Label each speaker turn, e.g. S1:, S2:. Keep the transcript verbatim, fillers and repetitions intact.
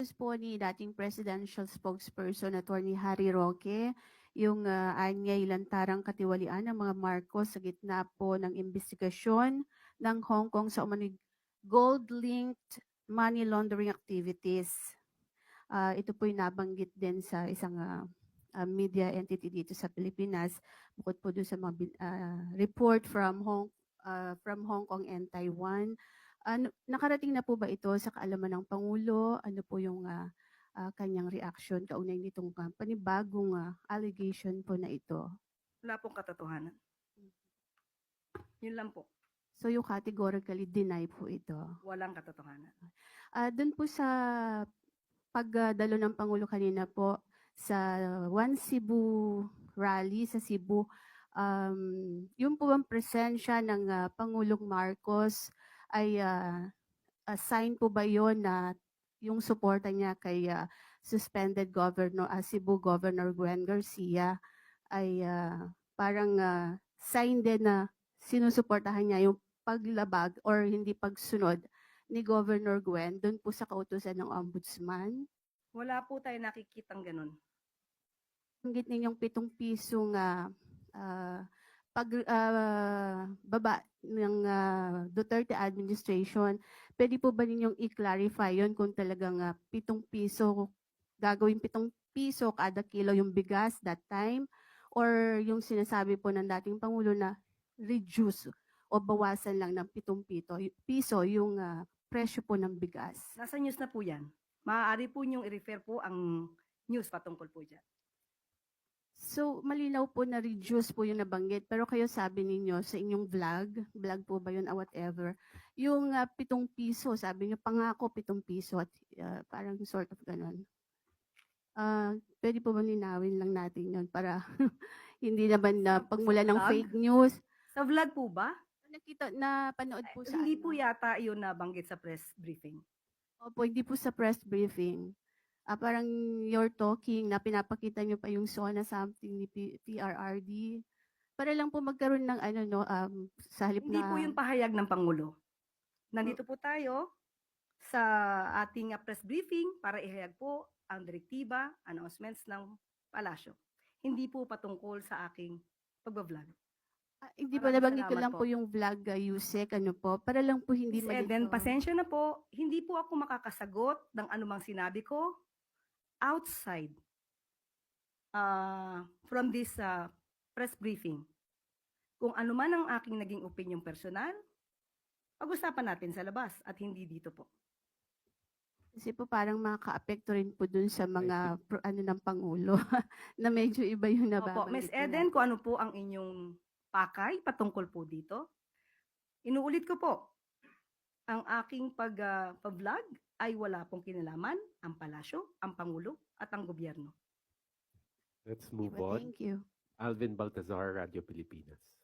S1: inutos po ni dating presidential spokesperson Attorney Harry Roque yung uh, anyay lantarang katiwalian ng mga Marcos sa gitna po ng investigasyon ng Hong Kong sa umano'y gold-linked money laundering activities. Uh, ito po yung nabanggit din sa isang uh, uh, media entity dito sa Pilipinas, bukod po doon sa mga uh, report from Hong, uh, from Hong Kong and Taiwan. Ano, nakarating na po ba ito sa kaalaman ng Pangulo? Ano po yung uh, uh, kanyang reaction kaugnay nitong uh, panibagong uh, allegation po na ito?
S2: Wala pong katotohanan. Yun lang po.
S1: So you categorically deny po ito?
S2: Walang katotohanan.
S1: Uh, doon po sa pagdalo ng Pangulo kanina po sa One Cebu rally sa Cebu, um, yung po ang presensya ng uh, Pangulong Marcos ay uh, uh, sign po ba yon na yung suporta niya kay uh, suspended governor uh, Cebu Governor Gwen Garcia ay uh, parang uh, sign din na sinusuportahan niya yung paglabag or hindi pagsunod ni Governor Gwen doon po sa kautusan ng ombudsman?
S2: Wala po tayo nakikitang ganun.
S1: Banggit ninyong pitong pisong uh, uh, pag uh, baba ng uh, Duterte administration, pwede po ba ninyong i-clarify yon kung talagang uh, pitong piso, gagawin pitong piso kada kilo yung bigas that time, or yung sinasabi po ng dating Pangulo na reduce o bawasan lang ng pitong pito, piso yung uh, presyo po ng bigas?
S2: Nasa news na po yan. Maaari po niyong i-refer po ang news patungkol po dyan.
S1: So, malinaw po na reduce po yung nabanggit. Pero kayo sabi ninyo sa inyong vlog, vlog po ba yun, or whatever, yung uh, pitong piso, sabi niyo pangako pitong piso at uh, parang sort of ganun. Uh, pwede po ba linawin lang natin yun para hindi naman na uh, pagmula ng fake news?
S2: Sa vlog po ba?
S1: Nakita, na panood po
S2: Eh,
S1: sa
S2: hindi
S1: ano?
S2: po yata yun nabanggit sa press briefing.
S1: Opo, hindi po sa press briefing. Uh, parang you're talking na pinapakita nyo pa yung SONA something ni P- P R R D. Para lang po magkaroon ng ano no, um, sa halip
S2: Hindi
S1: na...
S2: po yung pahayag ng Pangulo. Nandito po tayo sa ating uh, press briefing para ihayag po ang direktiba, announcements ng palasyo. Hindi po patungkol sa aking pagbablog.
S1: Ah, hindi po
S2: Maraming
S1: nabanggit ko
S2: salamat
S1: lang po
S2: po.
S1: yung vlog, uh, Yusek, ano po, para lang po hindi
S2: Miz Eden,
S1: malito.
S2: pasensya na po, hindi po ako makakasagot ng anumang sinabi ko outside uh, from this uh, press briefing. Kung ano man ang aking naging opinion personal, pag-usapan natin sa labas at hindi dito po.
S1: Kasi po parang makaka-apekto rin po dun sa mga pro, ano ng Pangulo na medyo iba yung
S2: Opo, Miz
S1: nababanggit
S2: Eden,
S1: nila.
S2: kung ano po ang inyong pakay patungkol po dito, inuulit ko po, ang aking pag, uh, pag-vlog ay wala pong kinalaman ang palasyo, ang Pangulo at ang gobyerno.
S3: Let's move
S1: Diba?
S3: on.
S1: Thank you.
S3: Alvin Baltazar, Radio Pilipinas.